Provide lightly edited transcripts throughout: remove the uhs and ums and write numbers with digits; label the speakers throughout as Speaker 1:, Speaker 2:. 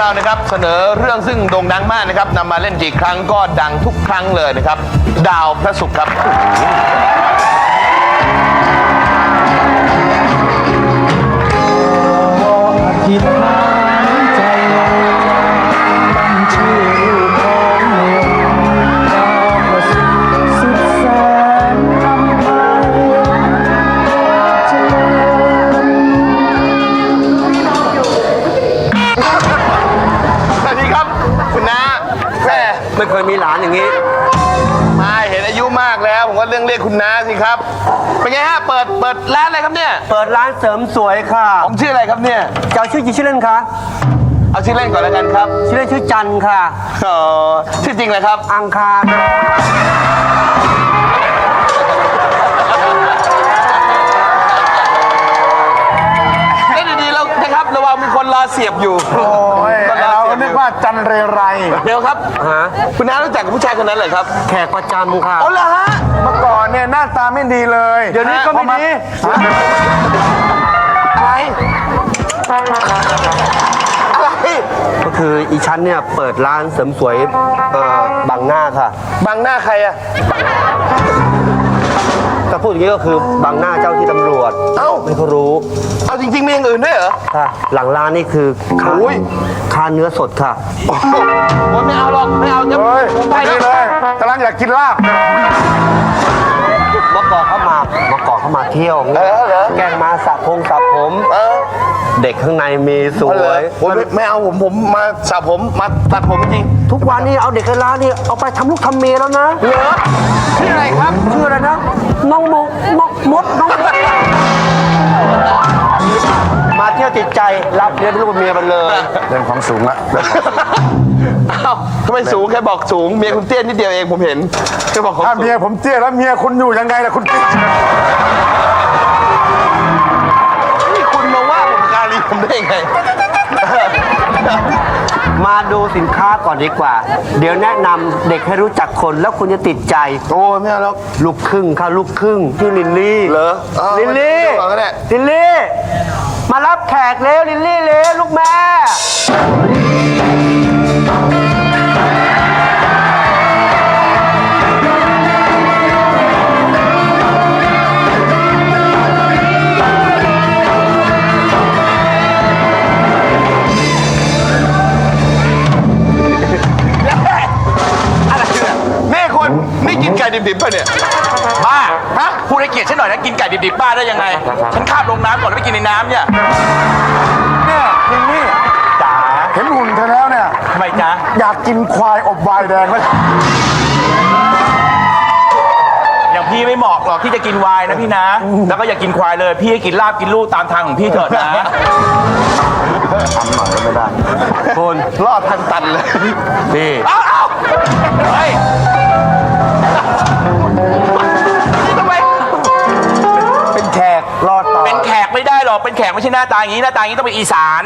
Speaker 1: เรานะครับเสนอเรื่องซึ่งโด่งดังมากนะครับนำมาเล่นกี่ครั้งก็ดังทุกครั้งเลยนะครับดาวพระศุกร์ครับ
Speaker 2: ทิศทางใจตั้งชื่อลูกของเมืองดาวประสิทธิ์สุดแสนอำไพเจริญ
Speaker 1: สวัสดีครับคุณน้าแม่
Speaker 3: ไม่เคยมีหลานอย่างนี้
Speaker 1: มาเห็นอายุมากแล้วผมก็เรียกคุณน้าสิครับเป็นไงฮะเปิดร้านอะไรครับเนี่ย
Speaker 3: เปิดร้านเสริมสวยค่ะ
Speaker 1: ผมชื่ออะไรครับเนี่ย
Speaker 3: เจ้าชื่อจริงชื่อเล่นคะ
Speaker 1: เอาชื่อเล่นก่อนแล้วกันครับ
Speaker 3: ชื่อเล่นชื่อจันค่ะ
Speaker 1: อ๋อชื่อจริงเลยครับ
Speaker 3: อังคาร
Speaker 1: เล่นดีๆแล้วนะครับระวังมีคนรอเสียบอยู่
Speaker 4: โอ้ยเรานึกว่าจันเรไร
Speaker 1: เดี๋ยวครับ
Speaker 3: ฮะ
Speaker 1: คุณน้ารู้จักกับผู้ชายคนนั้นเหรอครับ
Speaker 3: แขกประจำค่ะ
Speaker 1: อ๋อเหรอฮะ
Speaker 4: เมื่อก่อนเนี่ยหน้าตาไม่ดีเลย
Speaker 3: เดี๋ยวนี้ก็ไม่ดี
Speaker 1: อะไร อะไร
Speaker 3: ก็คืออีชั้นเนี่ยเปิดร้านเสริมสวยบังหน้าค่ะ
Speaker 1: บังหน้าใครอะ
Speaker 3: ถ้าพูดอย่างนี้ก็คือบังหน้าเจ้าที่ตำรวจ
Speaker 1: เอ้า
Speaker 3: ไม่เขารู้
Speaker 1: เอาจริงๆมีอย่างอื่นด้วยเหรอ
Speaker 3: ค่ะ หลังร้านนี่คือค่า
Speaker 1: โอ้ย
Speaker 3: ค่าเนื้อสดค่ะ
Speaker 1: โอ้โหไม่เอาหรอกไม่เอาจะ
Speaker 4: เฮ้ย
Speaker 1: ผมไป
Speaker 4: ดี
Speaker 1: นะ
Speaker 4: เลยกำลังอยากกินลาบ
Speaker 3: เมื่อก่อนเข้ามาเที่ยว
Speaker 1: เหรอ
Speaker 3: แกล้งมาสระผม
Speaker 1: เออ
Speaker 3: เด็กข้างในมีส
Speaker 1: เอา
Speaker 3: ว
Speaker 1: เลย
Speaker 3: ย
Speaker 1: ผมไม่เอาผมมาสระผมมาตัดผมจริง
Speaker 3: ทุกวันนี้เอาเด็กในร้านนี่เอาไปทำลูกทำเมียแล้วนะ
Speaker 1: เหรอชื่ออะไรครับ
Speaker 3: ชื่ออะไรนะ น้องมดน้องมาเที่ยวติดใจรับเลี้ยงลูกเมียมันเลย
Speaker 4: เรื่องของสูงละ
Speaker 1: เอ้าทำไมสูงแค่บอกสูงเมียคุณเตี้ยนิดเดียวเองผมเห็นแค่บอกเขา
Speaker 4: ถ้า
Speaker 1: สูง
Speaker 4: เมียผมเตี้ยแล้วเมียคุณอยู่ยังไงล่ะคุณติ๊ก
Speaker 1: นี่คุณมาว่าผมการีผมได้ยังไง
Speaker 3: มาดูสินค้าก่อนดีกว่า เดี๋ยวแนะนำเด็กให้รู้จักคนแล้วคุณจะติดใจ
Speaker 1: โอ้ไม่เอาแล้ว
Speaker 3: ลูกครึ่งค่ะลูกครึ่งชื่อลินลี่
Speaker 1: เหรอเอา
Speaker 3: ลินลี่
Speaker 1: เอาก็ได้
Speaker 3: ลินลี่มารับแขกเร็วลินลี่เร็วลูกแม่
Speaker 1: นี่คุณนี่กินไก่ดิบๆป่ะเนี่ย
Speaker 5: บ้าฮะพูดให้เกียรติฉันหน่อยนะ กินไก่ดิบๆบ้าได้ยังไง ฉันข้ามลงน้ำก่อนแล้วไปกินในน้ำเนี่ย
Speaker 4: เนี่ยลินนี่
Speaker 5: จ๋า
Speaker 4: เห็นหุ่นเธอแล้วเนี่ย
Speaker 5: ทำไมจ๊ะ
Speaker 4: อยากกินควายอบวายแดงไหม
Speaker 5: อย่างพี่ไม่เหมาะหรอกที่จะกินไวน์นะพี่นะ แล้วก็อย่ากินควายเลย พี่ให้กินลาบกินลูกตามทางของพี่เถิดนะ
Speaker 3: คุณ
Speaker 1: รอดทางตันเลย
Speaker 3: นี่
Speaker 5: เอ้าเฮ้ย
Speaker 1: ทำไม
Speaker 4: เป็นแขกรอดต่อ
Speaker 5: เป็นแขกไม่ได้หรอก เป็นแขกไม่ใช่หน้าตาอย่างนี้ หน้าตาอย่างนี้ต้องเป็นอีสาน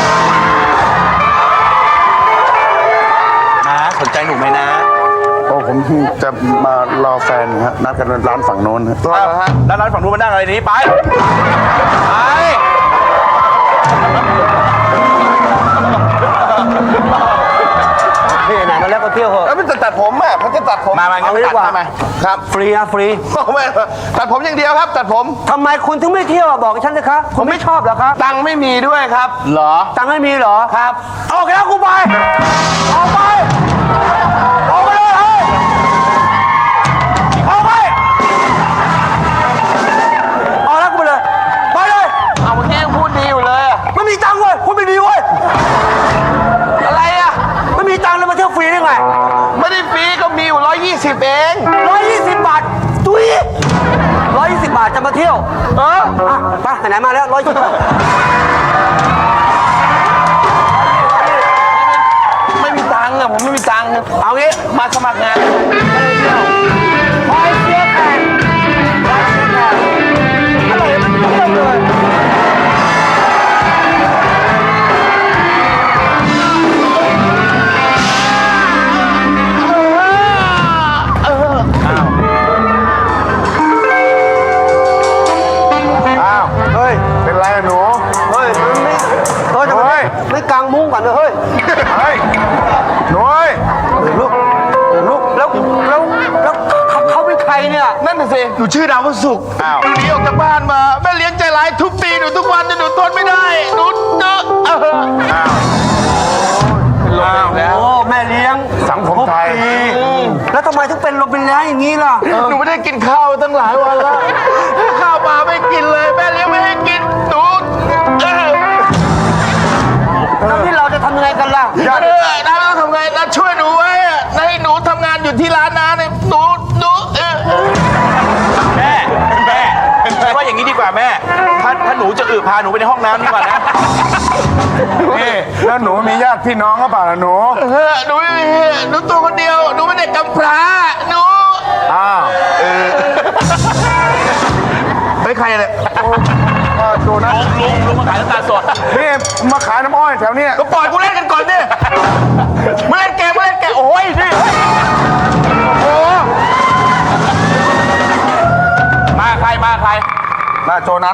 Speaker 5: นะสนใจหนูไหมนะ
Speaker 4: โอ้ผมจะมารอแฟนฮะนัดกันร้านฝั่งโน้นฮะ
Speaker 5: แล้วร้านฝั่งนู้นมานั่งอะไรนี้ไป ไป
Speaker 3: นี่ไหนมาแล้วก็เที่ยวเหอะ
Speaker 1: แล้วมันจะตัดผมอ่ะเขาจะตัดผม
Speaker 5: มางั้น
Speaker 1: เอา
Speaker 5: ไม่
Speaker 1: ดี
Speaker 5: ตัด
Speaker 1: กว่า
Speaker 5: ทำไม
Speaker 1: ครับ
Speaker 3: ฟรีนะฟรี
Speaker 1: ไม่ตัดผมอย่างเดียวครับ ตัดผม
Speaker 3: ทำไมคุณถึงไม่เที่ยวอะบอกฉันเลยครับผมไม่ชอบเหรอครับ
Speaker 1: ตังค์ไม่มีด้วยครับ
Speaker 5: เหรอ
Speaker 3: ตังค์ไม่มีเหรอ
Speaker 1: ครับ
Speaker 3: ออกแล้วกูไปออกไปออกไปเลยเฮ้ยออกไปออกแล้วกูไปเลยไปเลย
Speaker 1: เอาเมื่อกี้ยังพูดดีอยู่เลยอะ
Speaker 3: ไม่มีตังค์เว้ยคุณไม่ดีเว้ย
Speaker 1: อะไรอ่ะ
Speaker 3: ไม่มีตังค์เลยมาเที่ยวฟรีได้ไง
Speaker 1: ไม่ได้ฟรีก็มีอยู่120เอง
Speaker 3: 120 บาทตุ้ย120 บาทจะมาเที่ยวอ่ะไปไหนๆมาแล้ว120 บาท
Speaker 1: ไม่มีตังค์อ่ะผมไม่มีตังค์
Speaker 3: เอางี้
Speaker 1: มาสมัครงาน
Speaker 3: คอยเสียแขกคอยเสียแขกอะไรมันเที่ยวเลย
Speaker 4: อ้าวเฮ้ยเป็นไรอะหนู
Speaker 3: เฮ้ยมันไม่เฮ้ยทำไม
Speaker 4: เฮ้ย
Speaker 3: ไม่กางมุ้งก่อนเลยเฮ้ย
Speaker 1: ดิ
Speaker 3: หนูชื่อดาวพระศุกร์
Speaker 1: อ้าว
Speaker 3: หนูหนีออกจากบ้านมาแม่เลี้ยงใจร้ายทุบตีหนูทุกวันจนหนูทนไม่ได้หนู
Speaker 1: เป็นลมอีกแล้ว
Speaker 2: โอ้แม่เลี้ยง
Speaker 4: สังคมไทย
Speaker 2: แล้วทำไมถึงเป็นลมเป็นแรงอย่างนี้ล่ะ
Speaker 3: หนูไม่ได้กินข้าวตั้งหลายวันแล้วข้าวปลาไม่กินเลยแม่เลี้ยงไม่ให้กินหนู
Speaker 2: แล้วที่เราจะทำยังไงกันล่ะ
Speaker 3: น้าต้องทำไงน้าช่วยหนูไว้ให้หนูทำงานอยู่ที่ร้านน้าเนี่ยหนู
Speaker 5: แม่ว่าอย่างนี้ดีกว่าแม่ถ้าหนูจะพาหนูไปในห้องน้ำดีกว่านะ
Speaker 4: นี่แล้วหนูมีญาติพี่น้องหรือเปล่าล่ะหนู
Speaker 3: หนูไม่มีหนูตัวคนเดียวหนูไม่ได้กำพร้าหนู
Speaker 4: อ้าว
Speaker 3: ไม่ใครเลย
Speaker 4: โดนัท
Speaker 5: ลุงมาขายน้ำตาลสด
Speaker 4: นี่มาขายน้ำอ้อยแถวเนี้ย
Speaker 3: ก็ปล่อยกูเล่นกันก่อนดิมาเล่นเกมโอ้ยนี่โอ้
Speaker 5: มาใคร
Speaker 4: มาโจนัท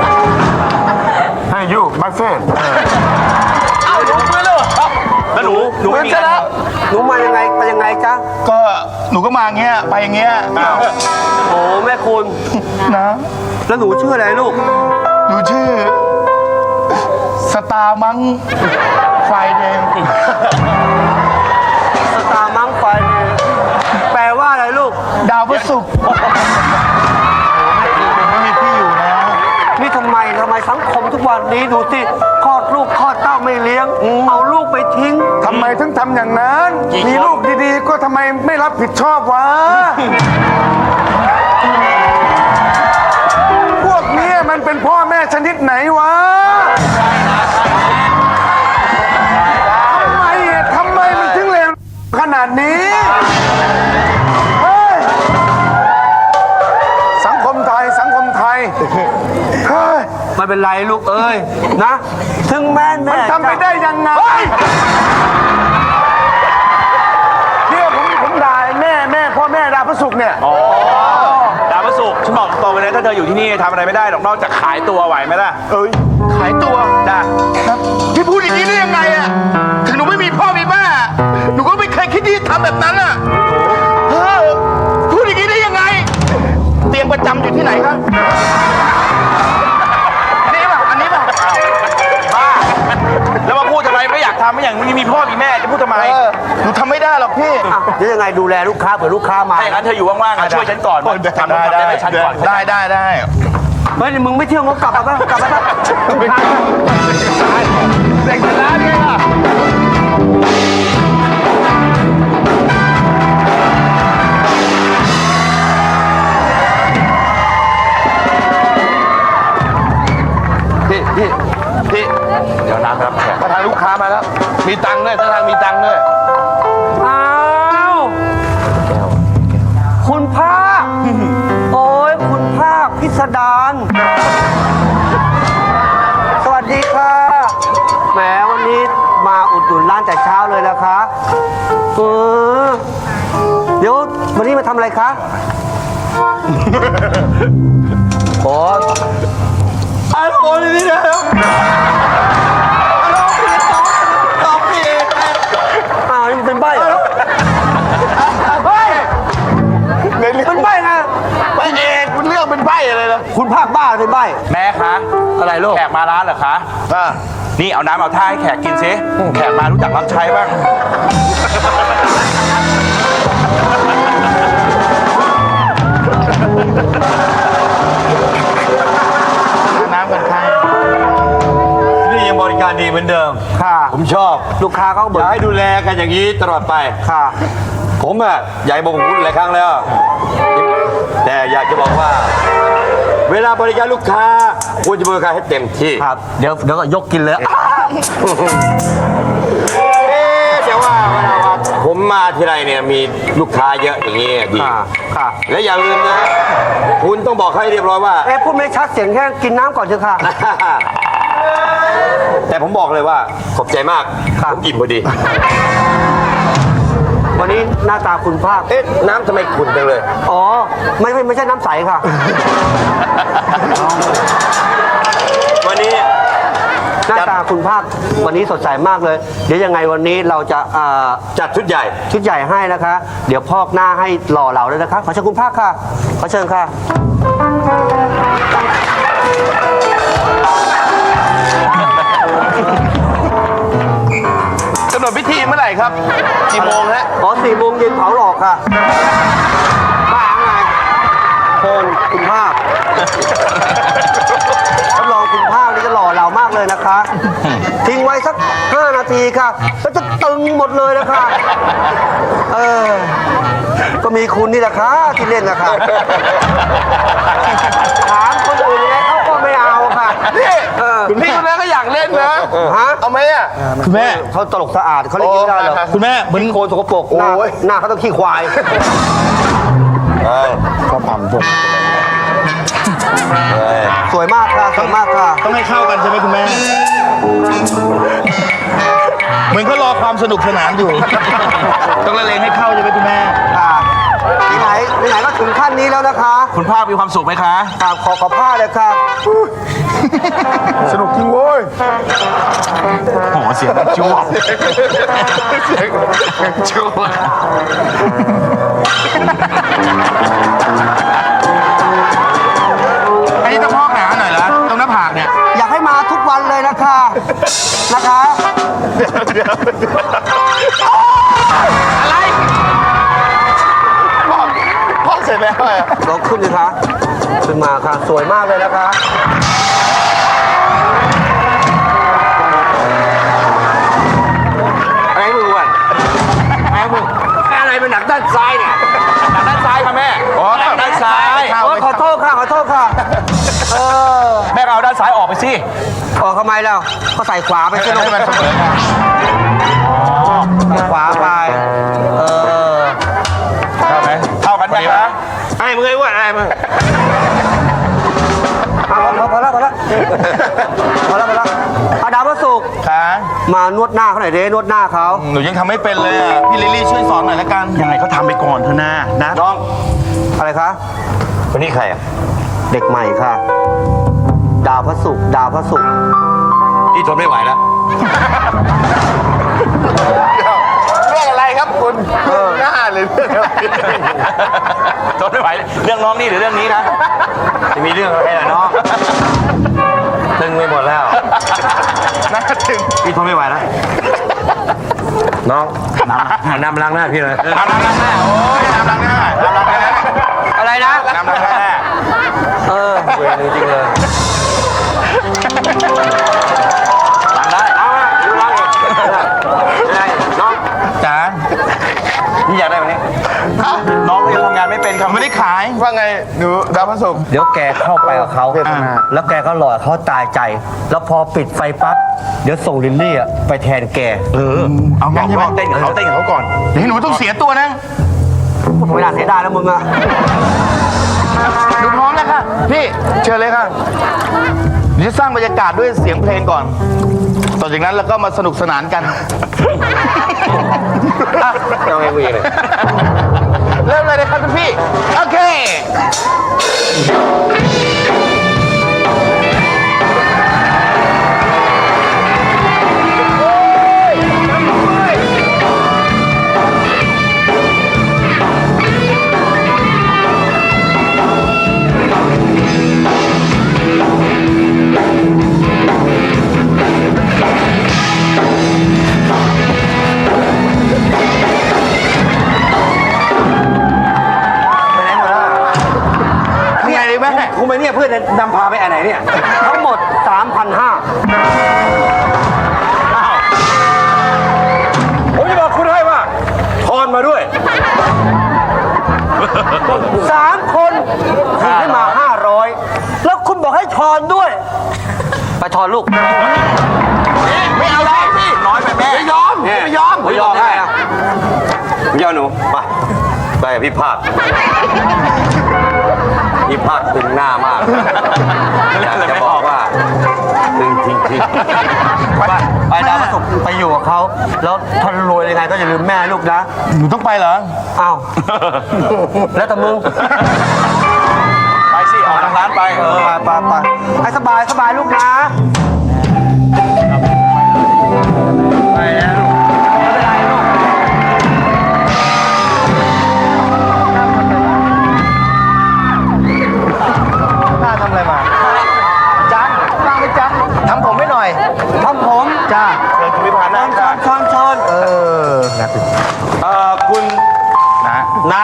Speaker 4: ให้ยูบัฟเฟ่ต์
Speaker 5: เอ้าลุงไม่เลยแล้วหนูไม่มี
Speaker 3: แล้ว
Speaker 2: หนูมายังไงไปยังไงจ๊ะ
Speaker 3: ก็หนูก็มาอย่างเงี้ยไปอย่างเงี้ย
Speaker 2: โอ้แม่คุณ
Speaker 3: นะ
Speaker 2: แล้วหนูชื่ออะไรลูก
Speaker 3: หนูชื่อสตาร์มังไฟแดง
Speaker 2: สตาร์มังไฟเนี่ยแปลว่าอะไรลูก
Speaker 3: ดาวพระศุกร์ไม่มีที่อยู่นะ
Speaker 2: นี่ทำไมสังคมทุกวันนี้ดูสิคลอดลูกคลอดเต้าไม่เลี้ยง เอาลูกไปทิ้ง
Speaker 4: ทำไมถึงทำอย่างนั้น มีลูกดีๆ ก็ทำไมไม่รับผิดชอบวะ พวกนี้มันเป็นพ่อแม่ชนิดไหนวะ ทำไมมันถึงเลวขนาดนี้ เฮ้ย สังคมไทย เฮ้ย
Speaker 2: ไม่เป็นไรลูกเอ้ยนะ ถึงแม่แม่
Speaker 4: ทำไปได้ยังไงเนี่ยผมด่าแม่พ่อแม่ด่าพระศุกร์เนี่ย
Speaker 5: ดาวพระศุกร์ฉันบอกตรงเลยนะถ้าเธออยู่ที่นี่ทำอะไรไม่ได้หรอกนอกจากขายตัวไหวไหมล่ะ
Speaker 3: ขายตัว
Speaker 5: จ้า
Speaker 3: พี่พูดอย่างนี้ได้ยังไงอะถึงหนูไม่มีพ่อมีแม่หนูก็ไม่เคยคิดที่จะทำแบบนั้นอะพูดอย่างนี้ได้ยังไง เตียงประจำอยู่ที่ไหนครับนี่ป่ะอันนี้ป่ะ
Speaker 5: บ้าแล้วมาพูดทำไมไม่อยากทำไม่อย่างนี้มีพ่อมีแม่จะพูดทำไม
Speaker 3: หนูทำไม่ได้หรอกพี่
Speaker 2: อ่ะเดี๋ยวยังไงดูแลลูกค้าเผื่อลูกค้ามา
Speaker 5: ถ้าอย่างนั้นเธออยู่ว่างๆอ่ะช่วยฉันก่อนทำได้ให้ฉันก่อน
Speaker 3: ได้
Speaker 2: เฮ้ยมึงไม่เที่ยวงกลับมาบ้างกลับมาบ้าง
Speaker 3: เด็กร้านเนี่ย
Speaker 1: พี่
Speaker 5: เดี๋ยวน้ำครับแขก
Speaker 1: ถ้าทางลูกค้ามาแล้ว มีตังค์ด้วยถ้าทางมีตังค์ด้วย
Speaker 2: อ้าวคุณภาคโอ้ยคุณภาคพิสดารสวัสดีค่ะแหมวันนี้มาอุดหนุนร้านแต่เช้าเลยนะคะเดี๋ยววันนี้มาทำอะไรคะโอ้ฮัลโหลนี่นะฮัลโหลพี่ตอบพี่อ้าวนี่มันเป็นใบ้เหรอเฮ้ยเป็นใบ้นะ
Speaker 3: ไปเองคุณเรื่องเป็นไพ่อะไรนะ
Speaker 2: คุณภาคบ้าเป็นใบ้
Speaker 5: แม่คะ
Speaker 2: อะไรลูก
Speaker 5: แขกมาร้านเหรอคะนี่เอาน้ำเอาท่าให้แขกกินซิแขกมารู้จักรับใช้บ้าง
Speaker 3: น้ำกันใคร
Speaker 6: นี่ยังบริการดีเหมือนเดิม
Speaker 2: ค่ะ
Speaker 6: ผมชอบ
Speaker 2: ลูกค้าเขา
Speaker 6: อ
Speaker 2: บ่น
Speaker 6: ยากให้ดูแลกันอย่างนี้ตลอดไป
Speaker 2: ค่ะ
Speaker 6: ผมอยากบอกผมพูดหลายครั้งแล้ว แต่อยากจะบอกว่า เวลาบริการลูกค้าควรจะบริการให้เต็มที่
Speaker 2: ครับ เดี๋ยวก็ยกกินเลย
Speaker 6: แต่ว่าเวลาผมมาทีไรเนี่ยมีลูกค้าเยอะอย่างนี้ดี
Speaker 2: ค่ะ ค่ะ
Speaker 6: และอย่าลืมนะ คุณต้องบอกให้เรียบร้อยว่า
Speaker 2: พูดไม่ชัดเสียงแค่กินน้ำก่อนเถอะค่ะ
Speaker 6: แต่ผมบอกเลยว่าขอบใจมาก
Speaker 2: ครับ
Speaker 6: ผมอิ่มพอดี
Speaker 2: วันนี้หน้าตาคุณภาค
Speaker 6: น้ำทำไมขุ่นจังเลย
Speaker 2: อ๋อ ไม่ใช่น้ำใสค่ะ
Speaker 6: วันนี้
Speaker 7: หน้าตาคุณภาควันนี้สดใสมากเลย เดี๋ยวยังไงวันนี้เราจะ
Speaker 6: จัดชุดใหญ่
Speaker 7: ชุดใหญ่ให้นะคะ เดี๋ยวพอกหน้าให้หล่อเหลาเลยนะคะ ขอเชิญคุณภาคค่ะ ขอเชิญค่ะ
Speaker 1: กำหนดพิธีเมื่อไหร่ครับ กี่โมงฮะ
Speaker 7: อ๋อ4 โมงเย็นเผาหลอกค่ะบ้าไงโคนคุณภาครับรองคุณภาคนี่จะหล่อเหลามากเลยนะคะ ทิ้งไว้สัก5 นาทีค่ะแล้วจะตึงหมดเลยนะคะก็มีคุณนี่แหละค่ะที่เล่นนะคะถามคนอื่นยังไงเขาก็ไม่เอาค่ะ
Speaker 1: นี่คุณพี่คนนั้นก็อยากเล่นนะ
Speaker 7: ฮะ
Speaker 1: เอาไหมอ่ะ
Speaker 2: คุณแม่
Speaker 7: เขาตลกสะอาดเขาเล่นไม่ได้หรอก
Speaker 2: คุณแม่เหมือน
Speaker 7: โคนสกปรกหน้า
Speaker 1: โอ้ย
Speaker 7: หน้าเขาต้องขี้ควาย
Speaker 4: ก็ทำพวก
Speaker 7: สวยมากค่ะสวยมากค่ะ
Speaker 2: ต้องให้เข้ากันใช่ไหมคุณแม่ เหมือนเขารอความสนุกสนานอยู่ ต้องละเลงให้เข้าใช่ไหมคุณแม่
Speaker 7: ค่ะไหนก็ถึงขั้นนี้แล้วนะคะ
Speaker 5: คุณภาคมีความสุขไหมคะ
Speaker 7: ค่ะขอผ้าเลยค่ะ
Speaker 4: สนุกจริงโว้ย
Speaker 5: โอ้โหเสียงมันจ้วง
Speaker 1: ชัวร์
Speaker 3: อันนี้ต้องพอกหนาหน่อยเหรอตรงหน้าผากเนี่ย
Speaker 7: อยากให้มาทุกวันเลยนะคะนะคะ
Speaker 1: พ่อเสร็จแล้วอะ
Speaker 7: ลองขึ้นสิคะขึ้นมาค่ะสวยมากเลยนะคะ
Speaker 5: อะไรมึงวะอะไรมึงอะไรเป็นหนักด้านซ้ายเนี่ยหนักด้านซ้ายค่ะแม่อ๋อหนักด้านซ้าย
Speaker 7: โอ้ยขอโทษค่ะขอโทษค่ะ
Speaker 5: แม่ก็เอาด้านซ้ายออกไปสิ
Speaker 7: ออกทำไมแล้วก็ใส่ขวาไปสิลูก
Speaker 1: ให้มันเสมอกัน
Speaker 7: ใส่ขวาไป
Speaker 5: เข้าไหมเข้ากันไหมคะไอ้มึงไอ้อ้วนไอ้มึง
Speaker 7: พอแล้วเอาดาวพระศุกร์
Speaker 1: ค่ะ
Speaker 7: มานวดหน้าเขาหน่อยเด้นวดหน้าเขา
Speaker 1: หนูยังทำไม่เป็นเลยอ่ะ พี่ลิลลี่ช่วยสอนหน่อยละกัน
Speaker 2: ยังไงเขาทำไปก่อนเถอะนะ
Speaker 6: น้อง
Speaker 7: อะไรคะ
Speaker 6: คนนี้ใครอ่ะ
Speaker 7: เด็กใหม่ค่ะ ดาวพระศุกร์ดาวพระศุกร์
Speaker 6: พี่ทนไม่ไหวแล้ว
Speaker 1: เรื่องอะไรครับคุณหน้าเลยเรื่องอะไร
Speaker 5: ทนไม่ไหวเรื่องน้องนี่หรือเรื่องนี้นะ
Speaker 6: จะมีเรื่องอะไรล่ะน้องตึงไปหมดแล้ว
Speaker 1: น่าถึง
Speaker 6: พี่ทนไม่ไหวแล้ว น้องนำล้างหน้าพี่เลย
Speaker 1: น้ำล้างหน้า โอ้ยน้ำล้างหน้าน้ำล้างหน้า
Speaker 7: อะไรนะ
Speaker 1: น้ำล้างหน้า
Speaker 7: เวรจริงๆเลย
Speaker 6: ล้างได้ เอามาดูล้างเองไงน้อง
Speaker 1: จ๋า
Speaker 6: พี่อยากได้ไหมเนี่ย
Speaker 5: น้องยังทำงานไม่เป็นครับ
Speaker 1: ไม่ได้ขายว่าไงหนูดาวพระศุกร์
Speaker 7: เดี๋ยวแกเข้าไปกับเขาแล้วแกก็หล่อเขาตายใจ แล้วพอปิดไฟปั๊บเดี๋ยวส่งลิลลี่อะไปแทนแก
Speaker 1: เอางั้นใช่ไหม
Speaker 5: เต้นกับเขาก่อน
Speaker 3: เดี๋ยวให้หนูต้องเสียตัวนะ
Speaker 7: ไม่น่าเสียดายแล้วมึงอะ
Speaker 3: หนูพร้อมแล้วค่ะ
Speaker 1: พี่เชิญเลยค่ะเดี๋ยวจะสร้างบรรยากาศด้วยเสียงเพลงก่อน ต่อจากนั้นเราก็มาสนุกสนานกัน
Speaker 6: เอาไงกูอีกเลย
Speaker 1: เริ่มเลยนะครับทุกพี่ โอเค
Speaker 3: ทำไงดีแม่
Speaker 6: กูไปเนี่ยเพื่อนนำพาไปอันไหนเนี่ย
Speaker 7: ทั้งหมด 3,500
Speaker 6: ผมจะบอกคุณให้ว่าทอนมาด้วย
Speaker 7: 3 คนคุณให้มา 500 แล้วคุณบอกให้ทอนด้วย ไปทอนลูก
Speaker 1: ไม่เอาแล้วพี่
Speaker 5: น้อยไปแม่
Speaker 1: ไม่ยอม ไม่ยอม
Speaker 7: ไม่ยอมได้อะ
Speaker 6: พี่เอาหนูไปกับพี่ภาคพี่ภาคตึงหน้ามากอยากจะบอกว่าตึงจริงๆ
Speaker 7: ไปดาวพระศุกร์ไปอยู่กับเขาแล้วท่านรวยยังไงก็อย่าลืมแม่ลูกนะ
Speaker 1: หนูต้องไปเหรอ
Speaker 7: อ้าว แล้วแต่มึง
Speaker 5: ไปสิ ออกทางร้านไป
Speaker 7: ไปให้สบายลูกนะ
Speaker 6: น้า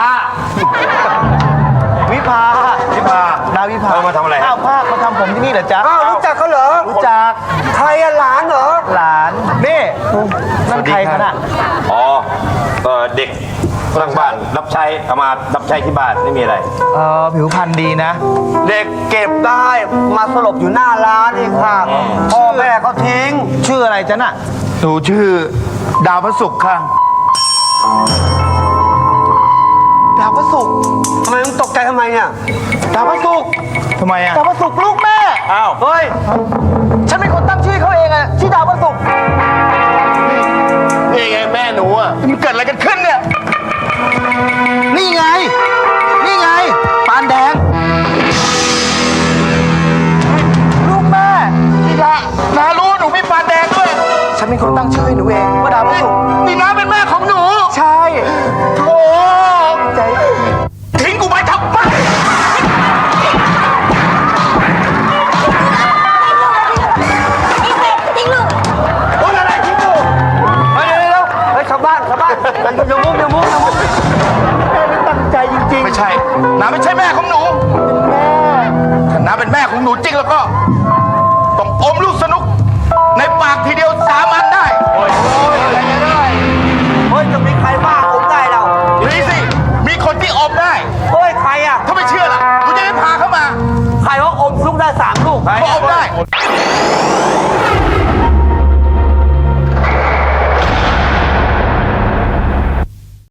Speaker 7: วิภา
Speaker 6: พี่พา
Speaker 7: นาวิภา
Speaker 6: เอามาทำอะไร
Speaker 7: ข้าวภาคมาทำผมที่นี่เหรอจ๊ะอ้าวรู้จักเขาเหรอ รู้จัก ใครอะหลานเหรอ หลาน นี่นั่นใครกันอะ
Speaker 6: อ๋อเด็กข้างบ้านรับใช้เอามารับใช้ที่บ้านไม่มีอะไร
Speaker 7: ผิวพรรณดีนะ เด็กเก็บได้มาสลบอยู่หน้าร้านเองค่ะ พ่อแม่ก็ทิ้ง ชื่ออะไรจ๊ะน่ะ
Speaker 3: หนูชื่อดาวพระศุกร์ค่ะ
Speaker 7: ดาวพระศุกร์ทำไมมึงตกใจทำไมเนี่ย ดาวพระศุกร์
Speaker 3: ทำไมอ่ะ
Speaker 7: ดาวพระศุกร์ลูกแม่
Speaker 5: อ้าว
Speaker 7: เฮ้ย ฉันเป็นคนตั้งชื่อเขาเองอะชื่อดาวพระศุกร์
Speaker 3: นี่ไงแม่หนูอ่ะมันเกิดอะไรกันขึ้นเนี่ย
Speaker 7: นี่ไง นี่ไง ปานแดง ลูกแม่
Speaker 3: นี่นารู้หนูมีปานแดงด้วย
Speaker 7: ฉันเป็นคนตั้งชื่อให้หนูเองว่าดาวพระศุกร์
Speaker 3: นี่น้าเป็นแม่ของหนู
Speaker 7: ใช่
Speaker 3: โอ้
Speaker 7: ใจ
Speaker 3: ทิ้งกูไปทำไม
Speaker 7: โอ้ยอะไรทิ้งกูเฮ้ยเดี๋ยวเฮ้ยชาวบ้านอย่ามุกแม่ไม่ตั้งใจจริง
Speaker 3: ไม่ใช่น้าไม่ใช่แม่ของหนูถ้าน้าเป็นแม่ของหนูจริงแล้วก็ ต้องอมลูกสนุก ในปากทีเดียว3 อันได้
Speaker 7: ๆ เฮ้ยจะมีใครบ้าผมได้เรา
Speaker 3: มีสิ มีคนที่อมได้
Speaker 7: เฮ้ยใครอะ
Speaker 3: ถ้าไม่เชื่อล่ะหนูจะได้พาเข้ามา
Speaker 7: ใครว่าอมลูกได้3 ลูก
Speaker 3: เขาอมได้